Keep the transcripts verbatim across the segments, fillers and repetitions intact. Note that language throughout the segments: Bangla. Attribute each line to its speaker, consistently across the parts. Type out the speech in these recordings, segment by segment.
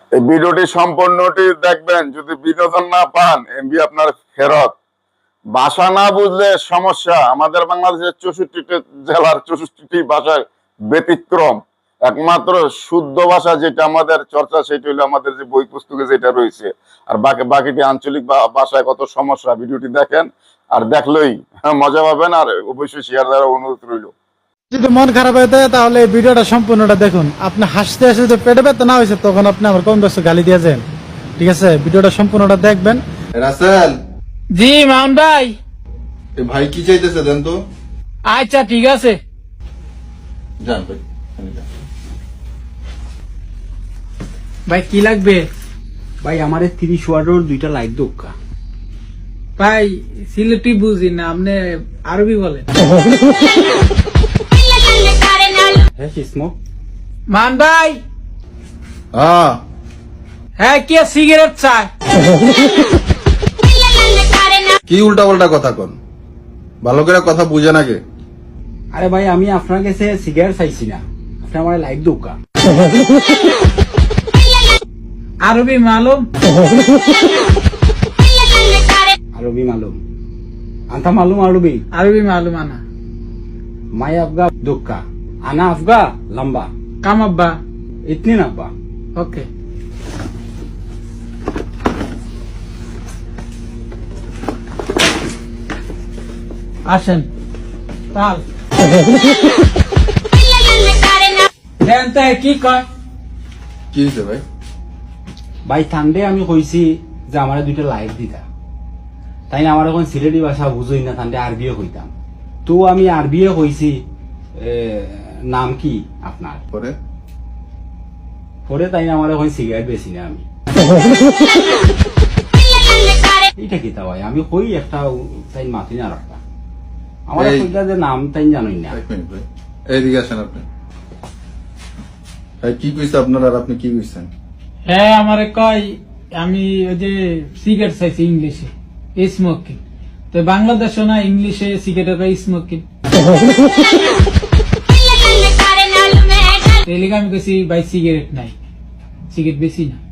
Speaker 1: এই ভিডিওটি সম্পূর্ণটি দেখবেন। যদি বিনোদন না পান, এমবি আপনার ফেরত। ভাষা না বুঝলে সমস্যা। আমাদের বাংলাদেশের চৌষট্টিটি জেলার চৌষট্টিটি ভাষার ব্যতিক্রম। একমাত্র শুদ্ধ ভাষা যেটা আমাদের চর্চা, সেটা হলো আমাদের যে বই পুস্তকে যেটা রয়েছে। আর বাকি বাকিটি আঞ্চলিক ভাষায় কত সমস্যা। ভিডিওটি দেখেন, আর দেখলেই মজা পাবেন। আর অবশ্যই শেয়ার দেওয়ার অনুরোধ রইল।
Speaker 2: যদি মন খারাপ হয়ে যায় তাহলে এই ভিডিওটা সম্পূর্ণটা দেখুন। আপনি হাসতে হাসতে যদি পেটে ব্যথা না হয়েছে তখন আপনি আমার কম বেশি গালি দিয়ে যান। ঠিক আছে, ভিডিওটা সম্পূর্ণটা দেখবেন।
Speaker 3: রাসেল,
Speaker 4: জি মামুন ভাই।
Speaker 3: এ ভাই কি চাইতেছে দেন তো।
Speaker 4: আচ্ছা ঠিক আছে।
Speaker 3: যান ভাই, এখানে যান।
Speaker 4: ভাই কি লাগবে?
Speaker 5: ভাই আমার তিরিশ ওয়াটের দুইটা লাইট দোকা।
Speaker 4: ভাই সিলেটি বুঝি না, আপনি আরবি বলেন।
Speaker 5: হ্যাঁ কিসমো
Speaker 4: মান ভাই,
Speaker 3: হ্যাঁ
Speaker 4: হ্যাঁ কে সিগারেট চায়?
Speaker 3: কি উল্টা পাল্টা কথা কন, ভালো করে কথা বুঝে নাকি?
Speaker 5: আরে ভাই আমি আপনার কাছে সিগারেট চাইছি না, আপনি আমার লাইট দোকা।
Speaker 4: আরবি মালুম?
Speaker 5: আরবি মালুম আন্তা মালুম আরবি
Speaker 4: আরবি মালুম আনা।
Speaker 5: মাই আফগা দোকা আনা আফগা লম্বা
Speaker 4: কাম আব্বা।
Speaker 5: ইতনি না আব্বা।
Speaker 4: ওকে আসেন। তাল দেন তো কি কয়?
Speaker 3: কি হয়েছে ভাই?
Speaker 5: ভাই ঠান্ডে আমি কইছি যে আমার দুইটা লাইট দিতা, তাই না আমার এখন সিলেটি ভাষা বুঝই না, ঠান্ডে আরবিও কইতাম। তো আমি আরবিও কইছি এ, নাম কি আপনার?
Speaker 3: পরে
Speaker 5: পরে তাই না আমার এখন সিগারেট বেশি না আমি। এটা কি তা ভাই আমি কই একটা তাই মাতি না রাখতা আমার
Speaker 3: এই-
Speaker 5: কইটা যে নাম তাই জানোই না।
Speaker 3: এক মিনিট ভাই, এইদিকে আসেন আপনি। ভাই কি কইছে আপনার, আর আপনি কি কইছেন?
Speaker 4: হ্যাঁ আমারে কয় আমি ওই যে সিগারেট চাইছি ইংলিশে স্মোকিং, তো বাংলাদেশে না ইংলিশে সিগারেট কয় স্মোকিং। এই লিগে আমি কইছি ভাই সিগারেট নাই, সিগারেট বেশি না।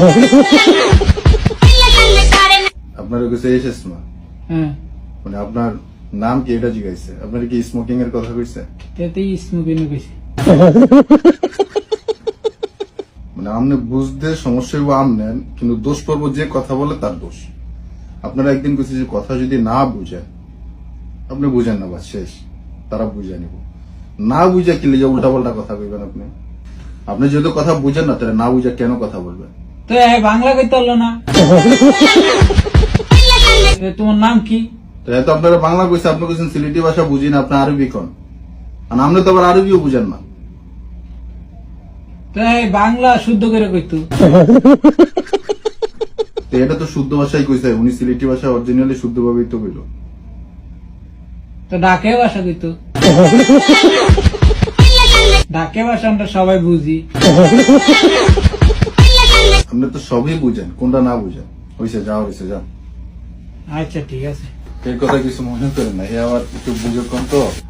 Speaker 3: আপনার কাছে এসেছে না,
Speaker 4: হ্যাঁ
Speaker 3: মানে আপনার নাম কি এটা জিজ্ঞাসা? আপনার কি স্মোকিং এর কথা কইছে?
Speaker 4: এতেই স্মোকিং বেশি।
Speaker 3: মানে আপনি বুঝতে সমস্যা হইব আমনেন, কিন্তু দোষ পড়বো যে কথা বলে তার দোষ। আপনারা একদিন কইছে যে কথা যদি না বুঝেন, আপনি বুঝেন না, বাস শেষ, তারা বুঝে নিব। না বুঝে কি লিজে উল্টা পাল্টা কথা কইবেন আপনি? আপনি যেহেতু কথা বুঝেন না, তাহলে না বুঝে কেন কথা বলবেন?
Speaker 4: তো এ বাংলা কইতে পারলো না। এ, তোমার নাম কি?
Speaker 3: তো এত আপনারা বাংলা কইছে, আপনি কইছেন সিলেটি ভাষা বুঝি না, আপনি আরবি কোন, আর আপনি তো আবার আরবিও বুঝেন না।
Speaker 4: তো এ বাংলা শুদ্ধ করে কইতো।
Speaker 3: তো এটা তো শুদ্ধ ভাষাই কইছে, উনি সিলেটি ভাষা অরিজিনালি শুদ্ধ ভাবেই তো কইল।
Speaker 4: তো ডাকে ভাষা কইতো। ডাকে ভাষা আমরা সবাই বুঝি।
Speaker 3: আপনি তো সবই বুঝেন, কোনটা না বুঝেন? হইছে, যাও হইছে, যাও।
Speaker 4: আচ্ছা ঠিক আছে।
Speaker 3: এই কথা কিছু মনে করেন না, এ আবার একটু বুঝে কম তো।